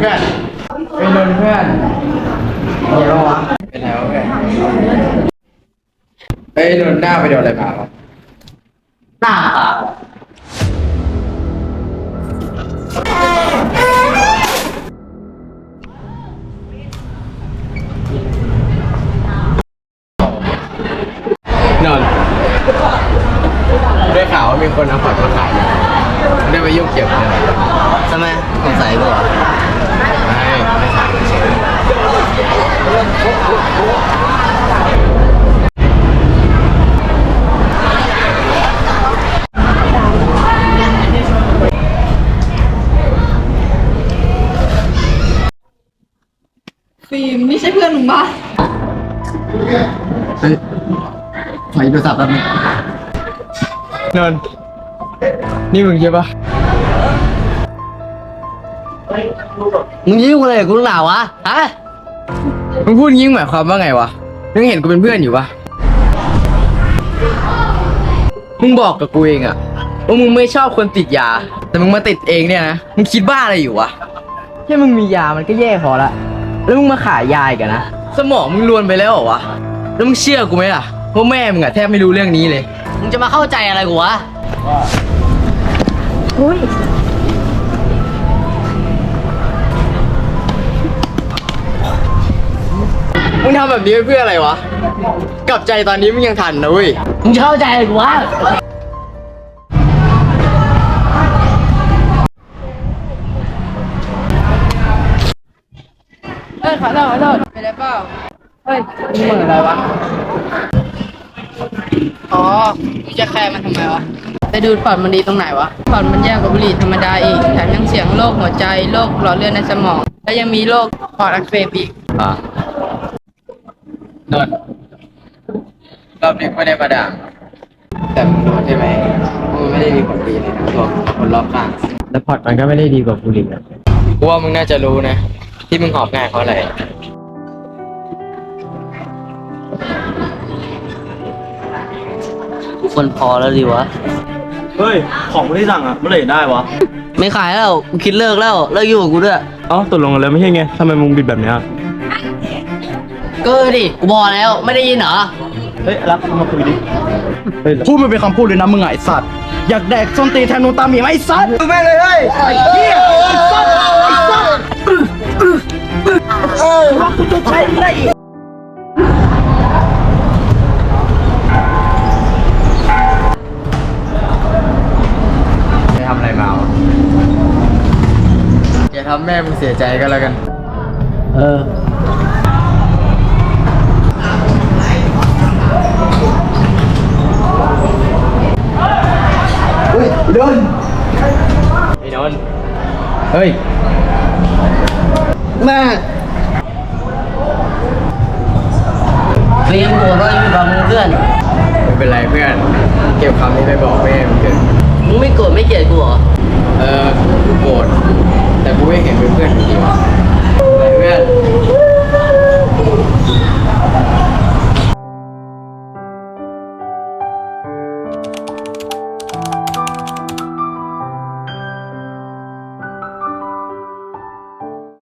พื่อนเป็นนนเพื่อนเดี๋ยววะเป็นไงวะเพื่อนเฮ้ยนนหน้าไปโดนอะไรมาวะหน้าขาวนนได้ข่าวว่ามีคนเอาผักมาขายเนี่ยได้ไปยุ่งเกี่ยวกับเนี่ยทำไมสงสัยกูเหรอไม่ขายเฉยฟิล์มนี่ใช่เพื่อนมึงปะเฮ้ยขอโทรศัพท์แป๊บนึงนนนี่มึงใช่ปะมึงยุ่งอะไรกับกูหนาวะฮะมึงพูดงี้หมายความว่าไงวะมึงเห็นกูเป็นเพื่อนอยู่ปะมึงบอกกับกูเองอะว่ามึงไม่ชอบคนติดยาแต่มึงมาติดเองเนี่ยนะมึงคิดบ้าอะไรอยู่วะแค่มึงมียามันก็แย่พอละแล้วมึงมาขายยาอีกันนะสมองมึงรวนไปแล้วเหรอวะแล้วมึงเชื่อกูไหมล่ะว่าแม่มึงอะแทบไม่รู้เรื่องนี้เลยมึงจะมาเข้าใจอะไรกูวะมึงทำแบบนี้เพื่ออะไรวะกลับใจตอนนี้มึงยังทันนะเว้ยมึงจะเข้าใจอะไรกูวะเอ้ยขอโทษไปได้เปล่าเฮ้ยมึงเหมือนอะไรวะอ๋อมึงจะแคร์มันทำไมวะไปดูปอดมันดีตรงไหนวะปอดมันแย่กว่าบุหรี่ธรรมดาอีกแถมยังเสี่ยงโรคหัวใจโรคหลอดเลือดในสมองและยังมีโรคปอดอักเสบอีกนนรอบนี้ไม่ได้มาด่าแต่มึงรู้ใช่ไหมมึงไม่ได้มีผลดีเลยนะตัวคนรอบข้างแล้วพอร์ตมันก็ไม่ได้ดีกว่าบุหรี่กูว่ามึงน่าจะรู้นะที่มึงหอบง่ายเพราะอะไรคนพอแล้วดีวะเฮ้ย ของไม่ได้สั่งอ่ะเมื่อไหร่ได้วะไม่ขายแล้วกูคิดเลิกแล้วเลิกอยู่กับกูด้วยเอ้าตกลงกันแล้วไม่ใช่ไงทำไมมึงบิดแบบเนี้ยก็ดิกูบอกแล้วไม่ได้ยินเหรอเฮ้ยรักมาคุยดิเฮ้ยพูดมันเป็นคำพูดเลยนะมึงไอ้สัตว์อยากแดกส้นตีนแทนนูนตาหมีไหมไอ้สัตว์มึงไม่เลยเฮ้ยไอ้เหี้ยไอ้สัตว์ไอ้สัตว์ว่ากูจะใช้อะไรอีกจะทำอะไรมาวะอย่าทำแม่มึงเสียใจก็แล้วกันเออไอ้นนท์เฮ้ยแม่ฟิล์มกูก็อยู่กับมึงเพื่อนไม่เป็นไรเพื่อน เก็บคำนี้ไปบอกแม่มึงเถอะมึงไม่โกรธไม่เกลียดกูเหรอกูโกรธแต่กูไม่เห็นเป็นเพื่อนอยู่ดีวะไปเพื่อน